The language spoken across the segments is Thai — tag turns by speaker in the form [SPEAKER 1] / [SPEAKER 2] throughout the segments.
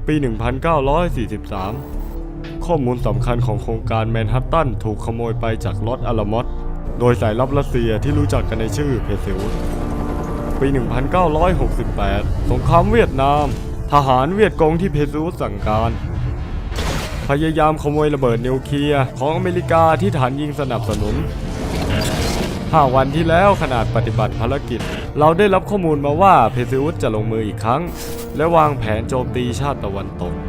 [SPEAKER 1] ปี 1943 ข้อมูลสำคัญของโครงการแมนฮัตตันถูกขโมยไปจากลอสอาลามอสโดยสายลับรัสเซียที่รู้จักกันในชื่อเพเซอุสปี 1968 สงครามเวียดนามทหารเวียดกงที่เพเซอุสสั่งการพยายามขโมยระเบิดนิวเคลียร์ของอเมริกาที่ฐานยิงสนับสนุน 5 วันที่แล้วขนาดปฏิบัติภารกิจเราได้รับข้อมูลมาว่าเพเซอุสจะลงมืออีกครั้งและวางแผนโจมตีชาติตะวันตก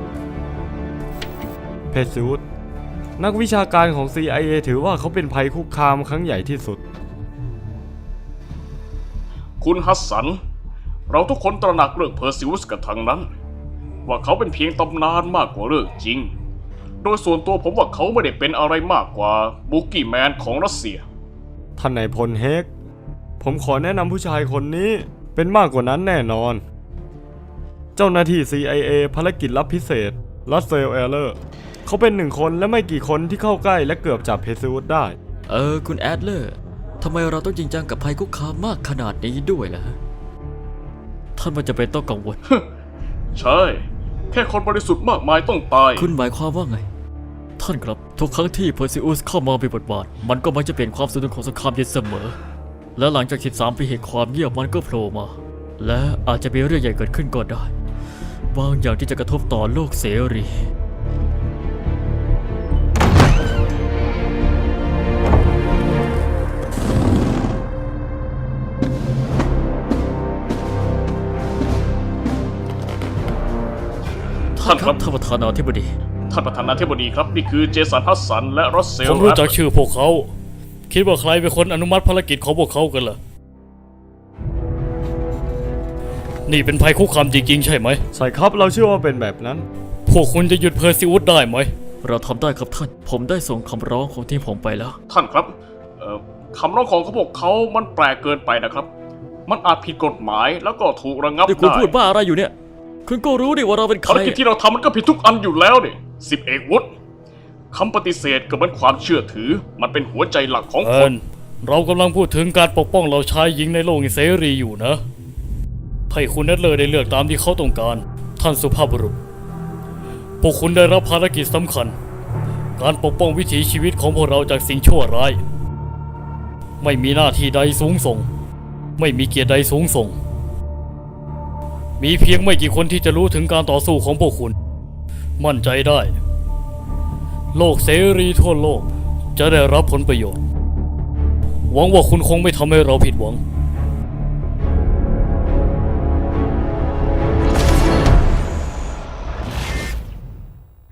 [SPEAKER 1] เพเซอุสนักวิชาการของ CIA ถือว่าเขาเป็นภัยคุกคามครั้งใหญ่ที่สุด
[SPEAKER 2] คุณฮัสสันเราทุกคนตระหนักเรื่องเพอร์ซิวสกันทั้งนั้นว่าเขาเป็นเพียงตำนานมากกว่าเรื่องจริงโดยส่วนตัวผมว่าเขาไม่ได้เป็นอะไรมากกว่าบุกกี้แมนของรัสเซีย
[SPEAKER 1] ท่านนายพลเฮกผมขอแนะนำผู้ชายคนนี้เป็นมากกว่านั้นแน่นอนเจ้าหน้าที่ CIA ภารกิจลับพิเศษรัสเซลเอเลอร์เขาเป็นหนึ่งคนและไม่กี่คนที่เข้าใกล้และเกือบจับเพเซอุสได้
[SPEAKER 3] คุณแอดเลอร์ทำไมเราต้องจริงจังกับภัยคุกคามมากขนาดนี้ด้วยล่ะท่านมันจะเป็นต้องกังวล
[SPEAKER 2] ใช่แค่คนบริสุทธิ์มากมายต้องตาย
[SPEAKER 3] คุณหมายความว่าไงท่านครับทุกครั้งที่เพอร์ซิอุสเข้ามามีบทบาทมันก็มักจะเปลี่ยนความสนุกของสงครามเย็นเสมอและหลังจาก13 ปีแห่งความเงียบมันก็โผล่มาและอาจจะมีเรื่องใหญ่เกิดขึ้นก็ได้บางอย่างที่จะกระทบต่อโลกเสรี
[SPEAKER 2] ท่านครับ
[SPEAKER 3] ท่านประธานาธิบดี
[SPEAKER 2] ครับนี่คือเจสันฮัสสันและรัสเซล
[SPEAKER 4] ผมรู้จักชื่อพวกเขาคิดว่าใครเป็นคนอนุมัติภารกิจของพวกเขากันล่ะนี่เป็นภัยคุกคามจริงๆใช่ไหม
[SPEAKER 1] ใช่ครับเราเชื่อว่าเป็นแบบนั้น
[SPEAKER 4] พวกคุณจะหยุดเพอร์ซิอุสได้ไหม
[SPEAKER 3] เราทำได้ครับท่านผมได้ส่งคำร้องของทีมผมไปแล้ว
[SPEAKER 2] ท่านครับคำร้องของพวกเขามันแปลกเกินไปนะครับมันอาจผิดกฎหมายแล้วก็ถูกระงับได้
[SPEAKER 3] คุณพูดบ้าอะไรอยู่เนี่ยคุณก็รู้ดิว่าเราเป็นใคร
[SPEAKER 2] ภารกิจที่เราทำมันก็ผิดทุกอันอยู่แล้วดิ10 เอกวุฒิคำปฏิเสธก็เหมือนความเชื่อถือมันเป็นหัวใจหลักของคน
[SPEAKER 4] เรากำลังพูดถึงการปกป้องเราชายหญิงในโลกเสรีอยู่นะให้คุณนัทเลอร์ได้เลือกตามที่เขาต้องการท่านสุภาพบุรุษพวกคุณได้รับภารกิจสำคัญการปกป้องวิถีชีวิตของพวกเราจากสิ่งชั่วร้ายไม่มีหน้าที่ใดสูงส่งไม่มีเกียรติใดสูงส่งมีเพียงไม่กี่คนที่จะรู้ถึงการต่อสู้ของพวกคุณมั่นใจได้โลกเสรีทั่วโลกจะได้รับผลประโยชน์หวังว่าคุณคงไม่ทำให้เราผิดหวัง